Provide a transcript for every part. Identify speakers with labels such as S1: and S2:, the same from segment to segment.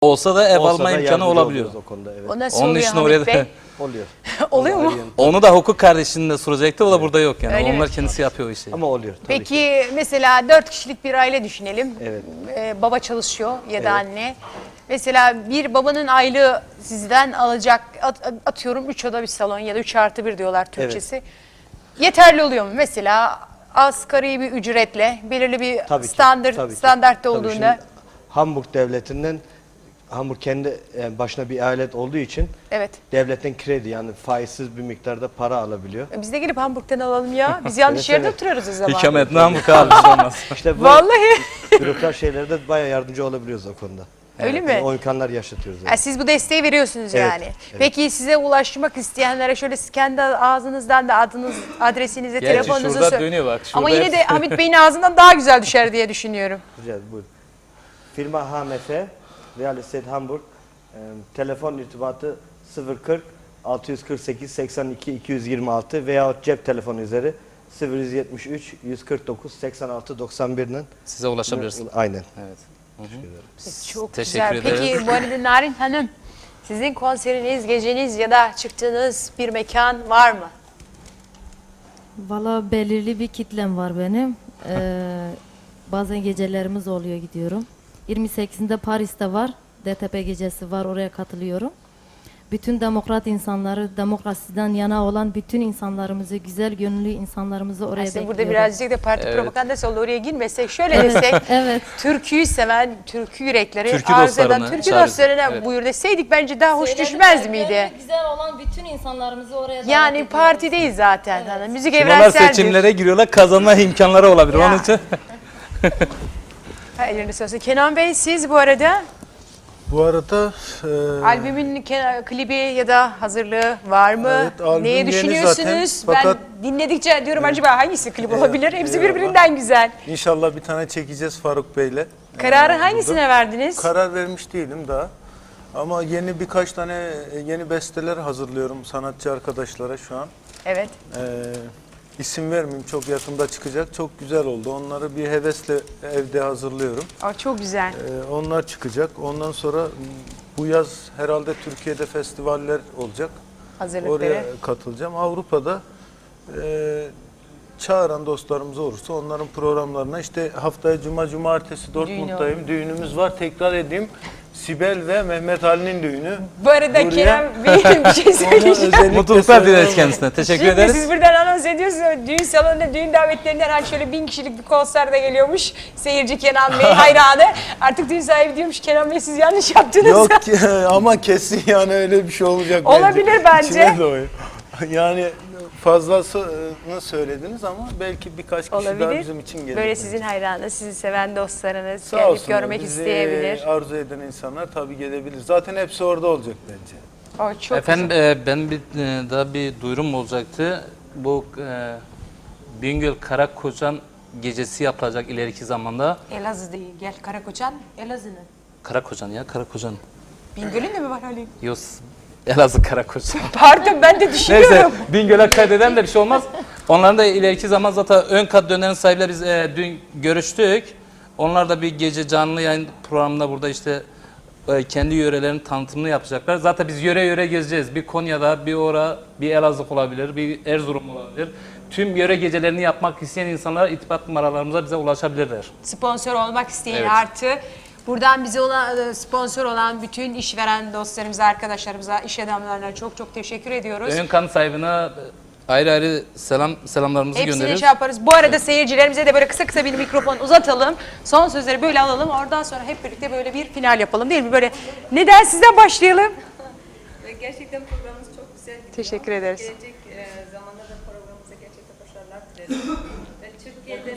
S1: Olsa da ev
S2: Olsa
S1: alma
S2: da
S1: imkanı
S2: yardımcı
S1: olabiliyor.
S2: oluyoruz o konuda, evet.
S3: O nasıl
S1: Onun
S3: oluyor
S1: için
S3: Hamit
S1: oraya
S3: Bey?
S1: da
S2: Oluyor.
S3: Oluyor mu?
S1: onu da hukuk kardeşinde soracaktı. O da burada yok yani.
S3: Öyle mi?
S1: Onlar kendisi yapıyor o işi.
S2: Ama oluyor tabii ki.
S3: Peki mesela 4 kişilik bir aile düşünelim.
S2: Evet.
S3: Baba çalışıyor ya da
S2: Evet.
S3: anne. Mesela bir babanın aylığı sizden alacak atıyorum 3 oda bir salon ya da 3+1 diyorlar Türkçesi. Yeterli oluyor mu? Mesela asgari bir ücretle belirli bir
S2: Tabii ki,
S3: standartta
S2: Tabii
S3: olduğunda.
S2: şimdi Hamburg devletinden, Hamburg kendi başına bir eyalet olduğu için
S3: Evet.
S2: devletten kredi, yani faizsiz bir miktarda para alabiliyor.
S3: Biz de gelip Hamburg'dan alalım ya. Biz yanlış
S2: Evet,
S3: yerde
S2: evet.
S3: oturuyoruz o zaman.
S1: Hikamet namı kalmış olmaz.
S2: İşte bu
S3: Vallahi.
S2: bürokrat şeylerde bayağı yardımcı olabiliyoruz o konuda.
S3: Öyle mi?
S2: Yani o imkanlar yaşatıyoruz.
S3: Ha, siz bu desteği veriyorsunuz
S2: Evet,
S3: yani.
S2: evet.
S3: Peki size ulaşmak isteyenlere şöyle kendi ağzınızdan da adresinizi,
S1: Gerçi
S3: telefonunuzu
S1: şurada dönüyor bak.
S3: Ama
S1: şurada
S3: yine de Hamit Bey'in ağzından daha güzel düşer diye düşünüyorum.
S2: Rica ederim, buyurun. Firma HMF, Real Estate Hamburg, telefon irtibatı 040 648 82 226 veyahut cep telefonu üzeri 0173 149 86 91'den
S1: size ulaşabilirsiniz.
S2: aynen.
S1: Evet.
S3: Çok
S1: Teşekkür
S3: güzel.
S1: ederiz.
S3: Peki bu arada Narin Hanım, sizin konseriniz, geceniz ya da çıktığınız bir mekan var mı?
S4: Valla belirli bir kitlem var benim. Bazen gecelerimiz oluyor, gidiyorum. 28'inde Paris'te var. DTP gecesi var, oraya katılıyorum. Bütün demokrat insanları, demokrasiden yana olan bütün insanlarımızı, güzel gönüllü insanlarımızı oraya
S3: Aslında
S4: bekliyorum.
S3: burada birazcık da parti
S1: Evet.
S3: propagandası oldu. Oraya girmesek, şöyle desek,
S4: Evet.
S3: türküyü seven, türkü yürekleri
S1: Türkü
S3: arz eden
S1: dostlarına
S3: türkü
S1: çağırırız.
S3: dostlarına
S1: Evet.
S3: buyur deseydik bence daha hoş düşmez miydi?
S4: Güzel olan bütün insanlarımızı oraya davet
S3: Yani
S4: ediyoruz.
S3: parti değil zaten. Hani müzik
S1: Şimdi onlar
S3: evrenseldir.
S1: seçimlere giriyorlar. Kazanma imkanları olabilir.
S3: Ya.
S1: Onun için
S3: Ha, ellerine sağlık. Kenan Bey siz bu arada
S5: Bu arada
S3: albümün klibi ya da hazırlığı var mı?
S5: Evet, albüm
S3: Neye
S5: yeni
S3: düşünüyorsunuz?
S5: zaten. Fakat-
S3: Ben dinledikçe diyorum acaba hangisi klip olabilir? Hepsi birbirinden güzel.
S5: inşallah bir tane çekeceğiz Faruk Bey'le.
S3: Kararı
S5: Burada.
S3: hangisine verdiniz?
S5: Karar vermiş değilim daha. Ama yeni birkaç tane yeni besteler hazırlıyorum sanatçı arkadaşlara şu an.
S3: Evet.
S5: İsim vermeyeyim, çok yakında çıkacak. Çok güzel oldu. Onları bir hevesle evde hazırlıyorum.
S3: O çok güzel.
S5: Onlar çıkacak. Ondan sonra bu yaz herhalde Türkiye'de festivaller olacak.
S3: Hazırlıkları.
S5: Oraya katılacağım. Avrupa'da çağıran dostlarımız olursa onların programlarına, işte haftaya cumartesi Dortmund'dayım. Düğünümüz var. Tekrar edeyim. Sibel ve Mehmet Ali'nin düğünü.
S3: Bu arada
S5: Buraya-
S3: Kerem Bey bir şey söyleyeceğim.
S5: özellikle
S1: mutluluklar dileriz
S5: söylüyorum.
S1: kendisine. Teşekkür
S3: Şimdi
S1: ederiz.
S3: siz buradan anons ediyorsunuz. Düğün salonunda, düğün davetlerinden hani şöyle 1000 kişilik bir konserde geliyormuş. Seyirci Kenan Bey hayranı. Artık düğün sahibi diyormuş Kenan Bey siz yanlış yaptınız.
S5: Yok ki, ama kesin yani öyle bir şey olacak.
S3: Olabilir bence.
S5: İçime doğuyor. Yani fazlasını söylediniz ama belki birkaç kişi daha
S3: Olabilir.
S5: bizim için gelir.
S3: Böyle
S5: bence.
S3: sizin hayranınız, sizi seven dostlarınız
S5: Sağ
S3: gelip
S5: olsunlar,
S3: görmek
S5: bizi
S3: isteyebilir.
S5: arzu eden insanlar tabii gelebilir. Zaten hepsi orada olacak bence.
S3: O çok
S1: Efendim
S3: güzel.
S1: ben daha bir duyurum olacaktı. Bu Bingöl Karakoçan gecesi yapılacak ileriki zamanda.
S3: Elazığ değil. Gel Karakoçan, Elazığ'ın.
S1: Karakoçan ya Karakoçan.
S3: Bingöl'ün de mi var Ali?
S1: Yok Elazığ Karakoçan.
S3: Pardon ben de
S1: Neyse
S3: düşünüyorum.
S1: Bingöl'e kaydeden de bir şey olmaz. Onların da ileriki zaman zaten ön kat dönerin sahibiyle biz dün görüştük. Onlar da bir gece canlı yayın programında burada işte kendi yörelerinin tanıtımını yapacaklar. Zaten biz yöre yöre gezeceğiz. Bir Konya'da, bir Elazığ olabilir, bir Erzurum olabilir. Tüm yöre gecelerini yapmak isteyen insanlar irtibat numaralarımıza bize ulaşabilirler.
S3: Sponsor olmak isteyen
S1: Evet.
S3: artı buradan bize sponsor olan bütün işveren dostlarımıza, arkadaşlarımıza, iş adamlarına çok çok teşekkür ediyoruz.
S1: Ön kan sahibine ayrı ayrı selamlarımızı
S3: Hepsini
S1: gönderiyoruz.
S3: şey yaparız. Bu arada seyircilerimize de böyle kısa kısa bir mikrofon uzatalım. Son sözleri böyle alalım. Oradan sonra hep birlikte böyle bir final yapalım değil mi? Böyle neden sizden başlayalım?
S6: Gerçekten programımız çok güzel gidiyor.
S3: Teşekkür ederiz.
S6: Gelecek zamanda da programımıza gerçekten başarılar dilerim. Ve Türkiye'de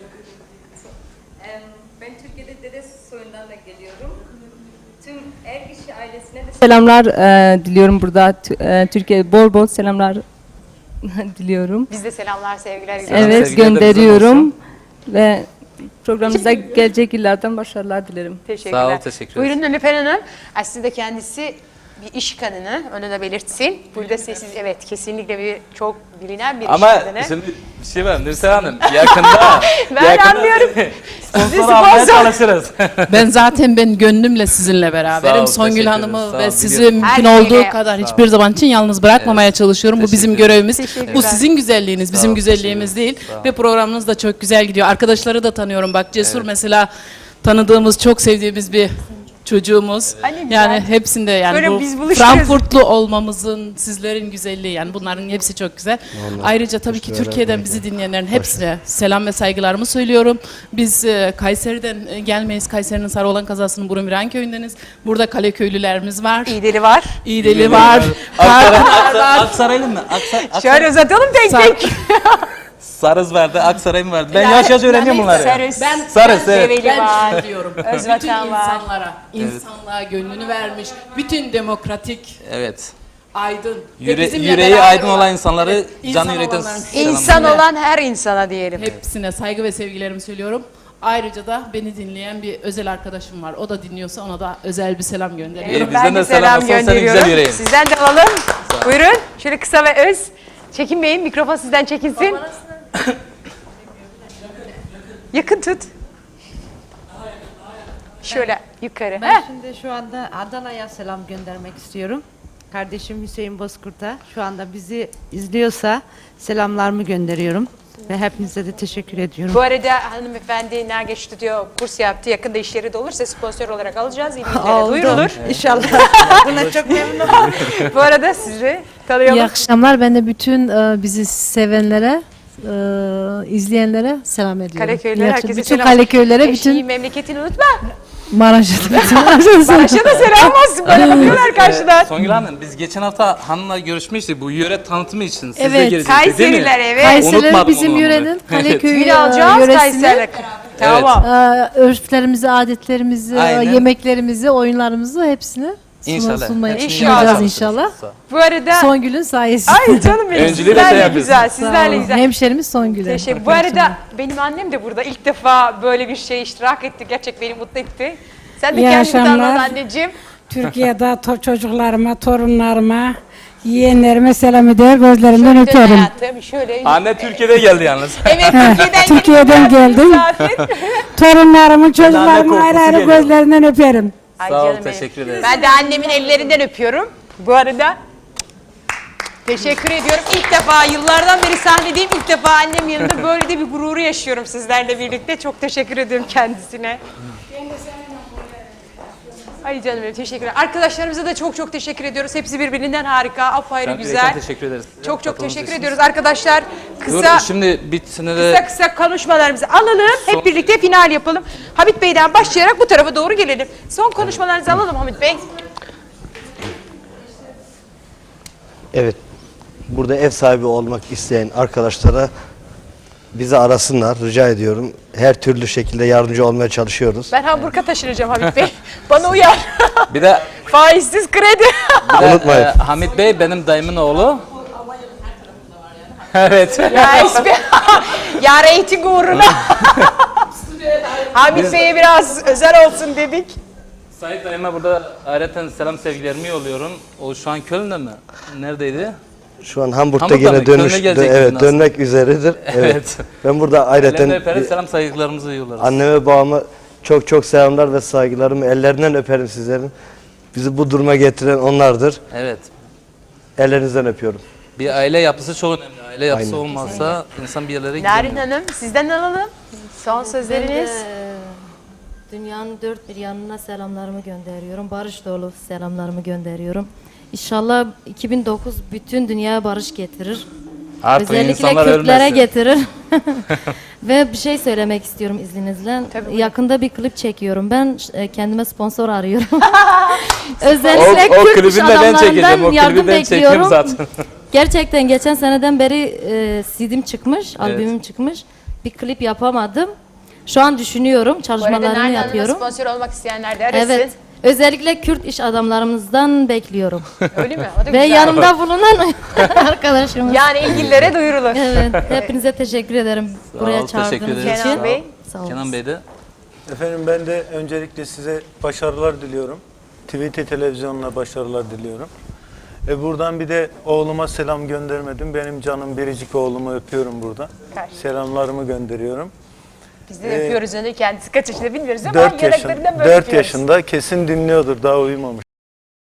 S6: ben Türkiye'de dede soyundan da geliyorum. Tüm Ergişi ailesine de
S7: Selamlar diliyorum burada. Türkiye bol bol selamlar diliyorum.
S3: Biz de selamlar, sevgiler.
S1: Selam,
S7: Evet,
S1: sevgiler de bizden
S7: gönderiyorum ve programımıza gelecek yıllardan başarılar dilerim.
S3: Teşekkürler.
S1: Sağ ol, teşekkür ederiz.
S3: Buyurun Nilüfer Hanım. Aslında kendisi bir iş kadını, onu da belirtsin. Burada sessiz, evet kesinlikle bir çok bilinen bir iş
S1: Ama
S3: kadını.
S1: şimdi bir şey var Nursel Hanım, yakında
S3: Ben anlıyorum.
S1: sponsor almaya
S3: sponsor.
S1: çalışırız.
S8: Ben gönlümle sizinle
S1: Sağ
S8: beraberim.
S1: ol,
S8: Songül
S1: teşekkür
S8: Hanım'ı
S1: ederim. Sağ
S8: ve
S1: ol,
S8: sizi
S1: biliyorum.
S8: mümkün
S3: Her
S8: olduğu
S3: şeyle.
S8: kadar hiçbir zaman için yalnız bırakmamaya çalışıyorum. Bu bizim
S1: Teşekkür
S8: görevimiz.
S3: Teşekkürler.
S8: Bu sizin güzelliğiniz, bizim
S1: ol,
S8: güzelliğimiz değil.
S1: teşekkür ederim.
S8: Ve programınız da çok güzel gidiyor. Arkadaşları da tanıyorum. Bak Cesur
S1: Evet.
S8: mesela tanıdığımız, çok sevdiğimiz bir çocuğumuz.
S3: Ay ne güzel.
S8: Yani hepsinde yani
S3: Böyle
S8: bu
S3: biz buluşturuyoruz.
S8: Frankfurtlu olmamızın, sizlerin güzelliği yani bunların hepsi çok güzel. Ayrıca tabii ki Türkiye'den bizi dinleyenlerin hepsine selam ve saygılarımı söylüyorum. Biz Kayseri'den gelmeyiz. Kayseri'nin Sarıoğlan kazasının Burunviran köyündeniz. Burada Kaleköylülerimiz var.
S3: İğdeli var.
S8: İğdeli var.
S1: Aksaraylı mı?
S3: Şöyle uzatalım tek tek.
S1: Sarız vardı, Aksaray mı vardı? Ben yavaş yavaş öğreniyorum bunları.
S3: Sarız.
S1: Sarız, evet.
S3: Develi
S8: Ben
S3: var.
S8: şunu diyorum. Bütün
S3: Özvatan var.
S8: insanlığa gönlünü vermiş. Bütün demokratik,
S1: Evet.
S8: aydın. ve
S1: Yüreği
S8: bizimle beraber
S1: aydın olan insanları
S8: Evet, insan
S1: canı yürekten
S8: olanların
S3: İnsan olan her insana diyelim.
S8: hepsine saygı ve sevgilerimi söylüyorum. Ayrıca da beni dinleyen bir özel arkadaşım var. O da dinliyorsa ona da özel bir selam gönderiyorum.
S1: Bizden
S3: Ben
S1: de
S3: de
S1: selam
S3: selam
S1: olsun, senin
S3: gönderiyorum.
S1: güzel yüreğin.
S3: Sizden de alalım. Buyurun. Şöyle kısa ve öz. Çekinmeyin. Mikrofon sizden çekinsin. Yakın tut. Şöyle yukarı.
S9: Ben
S3: Heh.
S9: şimdi şu anda Adana'ya selam göndermek istiyorum. Kardeşim Hüseyin Bozkurt'a şu anda bizi izliyorsa selamlarımı gönderiyorum. Ve hepinize de teşekkür ediyorum.
S3: Bu arada hanımefendi Nergeç Stüdyo kurs yaptı. Yakında işleri de olursa sponsor olarak alacağız. İlgililere duyurulur.
S9: İnşallah. Buna çok memnun oldum.
S3: Bu arada sizi
S10: İyi
S3: tanıyalım.
S10: akşamlar. Ben de bütün bizi sevenlere, izleyenlere selam ediyorum.
S3: Kaleköylülere,
S10: İyi
S3: herkese
S10: akşamlar. Bütün
S3: selam.
S10: Kaleköylülere,
S3: Eşiği,
S10: bütün
S3: memleketini unutma.
S10: Maraş'a da bütün Maraş'a selam.
S3: Başa da selam olsun. Böyle bakıyorlar karşıdan.
S1: Songül Hanım, biz geçen hafta hanımla görüşmüştük bu yöre tanıtımı için. Siz de
S10: Evet.
S1: geleceksiniz değil mi?
S3: Kayseriler evet.
S10: Kayseriler
S1: Unutmadım
S10: bizim
S1: onu.
S10: yörenin,
S1: Evet.
S10: Kaleköy
S3: Gün alacağız
S10: yöresini,
S3: Kayseriler. Tamam.
S10: örflerimizi, adetlerimizi,
S1: Aynen.
S10: yemeklerimizi, oyunlarımızı hepsini
S1: İnşallah.
S10: sunmaya
S1: Hepsini
S3: İnşallah.
S10: sunacağız
S1: yapacağız.
S10: inşallah.
S3: Bu arada
S10: Songül'ün sayesinde.
S3: ay canım benim
S1: Öncülüğü de
S3: sizlerle
S1: sen yapıyorsun.
S3: güzel.
S10: Sağ
S3: Sizlerle
S10: olun.
S3: güzel.
S10: Hemşerimiz Songül'e.
S3: Teşekkür. Bu arada benim annem de burada ilk defa böyle bir şey iştirak etti. Gerçek beni mutlu etti. Sen de
S11: İyi
S3: kendini tanıdın
S11: akşamlar.
S3: anneciğim.
S11: Türkiye'de çocuklarıma, torunlarıma, yeğenlerime selam eder, gözlerinden
S3: Şöyle
S11: öperim.
S3: hayatım şöyle.
S1: Anne Türkiye'de geldi yalnız.
S3: Evet Türkiye'den,
S11: Türkiye'den geldim.
S3: Misafir.
S11: Torunlarımın, çocuklarımın
S1: korkusu
S11: ayrı ayrı
S1: geliyor.
S11: gözlerinden öperim.
S3: Ay
S1: Sağ ol,
S3: canım benim.
S1: teşekkür ederiz.
S3: Ben de annemin ellerinden öpüyorum. Bu arada teşekkür ediyorum. İlk defa yıllardan beri sahnedeyim. İlk defa annem yanında böyle de bir gururu yaşıyorum sizlerle birlikte. Çok teşekkür ediyorum kendisine. Ay canım benim teşekkürler. Arkadaşlarımıza da çok çok teşekkür ediyoruz. Hepsi birbirinden harika, apayrı
S1: Ben
S3: güzel.
S1: yürekten teşekkür ederiz.
S3: Çok çok
S1: Katıldığınız
S3: teşekkür
S1: için.
S3: ediyoruz arkadaşlar.
S1: Dur
S3: Kısa
S1: şimdi bitsin de
S3: kısa konuşmalarımızı alalım.
S1: Son-
S3: Hep birlikte final yapalım. Hamit Bey'den başlayarak bu tarafa doğru gelelim. Son konuşmalarınızı alalım Hamit Bey.
S2: Evet. Burada ev sahibi olmak isteyen arkadaşlara bizi arasınlar. Rica ediyorum. Her türlü şekilde yardımcı olmaya çalışıyoruz.
S3: Ben Hamburg'a taşınacağım Hamit Bey. Bana uyar.
S1: bir de
S3: Faizsiz kredi.
S2: Unutmayın.
S1: Hamit Bey benim dayımın oğlu. Evet.
S3: ya ya reyting uğruna. Hamit Bey'e biraz özel olsun dedik.
S1: Sait dayıma burada ayrıca selam sevgilerimi yolluyorum. O şu an Köln'de mi? Neredeydi?
S2: Şu an Hamburg'da
S1: Hamburg'da mı?
S2: yine
S1: Köln'e
S2: dönüş,
S1: gelecektin
S2: evet
S1: aslında.
S2: dönmek üzeredir.
S1: Evet.
S2: Ben burada
S1: Ellerinden
S2: ayrıca
S1: öperiz, selam saygılarımızı yollarız.
S2: anneme babama çok çok selamlar ve saygılarımı ellerinden öperim sizlerin. Bizi bu duruma getiren onlardır.
S1: Evet.
S2: Ellerinizden öpüyorum.
S1: Bir aile yapısı çok önemli. Aile yapısı
S2: Aynen.
S1: olmazsa insan bir yerlere
S3: Narin
S1: gidemiyor.
S3: Hanım sizden alalım. Son
S4: Ben de,
S3: sözleriniz.
S4: Dünyanın dört bir yanına selamlarımı gönderiyorum. Barış dolu selamlarımı gönderiyorum. İnşallah 2009 bütün dünyaya barış getirir.
S1: Artık
S4: Özellikle
S1: insanlar
S4: Kürtlere
S1: ölmesin.
S4: getirir. Ve bir şey söylemek istiyorum izninizle.
S3: Tabii, buyurun.
S4: Yakında bir klip çekiyorum. Ben kendime sponsor arıyorum. Özellikle
S1: O
S4: Kürt
S1: klibi
S4: iş
S1: de ben çekeceğim.
S4: adamlarından
S1: O
S4: yardım
S1: klibi ben çekiyorum
S4: bekliyorum.
S1: zaten.
S4: Gerçekten geçen seneden beri CD'm çıkmış, albümüm çıkmış. Bir klip yapamadım. Şu an düşünüyorum,
S3: Bu arada
S4: çalışmalarını
S3: Narin Hanım'a
S4: yapıyorum.
S3: sponsor olmak isteyenler de arasın.
S4: Evet. Özellikle Kürt iş adamlarımızdan bekliyorum.
S3: Öyle mi? O da
S4: Ve
S3: güzel.
S4: yanımda bulunan arkadaşımız.
S3: Yani ilgililere duyurulur.
S4: Evet, hepinize teşekkür ederim buraya
S1: ol, teşekkür
S4: çağırdığınız
S1: ederiz.
S4: için.
S3: Kenan Bey.
S4: Sağ olun.
S1: Kenan Bey de.
S5: Efendim ben de öncelikle size başarılar diliyorum. TVT televizyonuna başarılar diliyorum. Buradan bir de oğluma selam göndermedim. Benim canım biricik oğlumu öpüyorum burada.
S3: Karşı.
S5: Selamlarımı gönderiyorum.
S3: Biz de öpüyoruz onu. Kendisi kaç yaşında bilmiyoruz ama
S5: 4
S3: yanaklarından böyle
S5: 4
S3: öpüyoruz.
S5: yaşında kesin dinliyordur, daha uyumamış.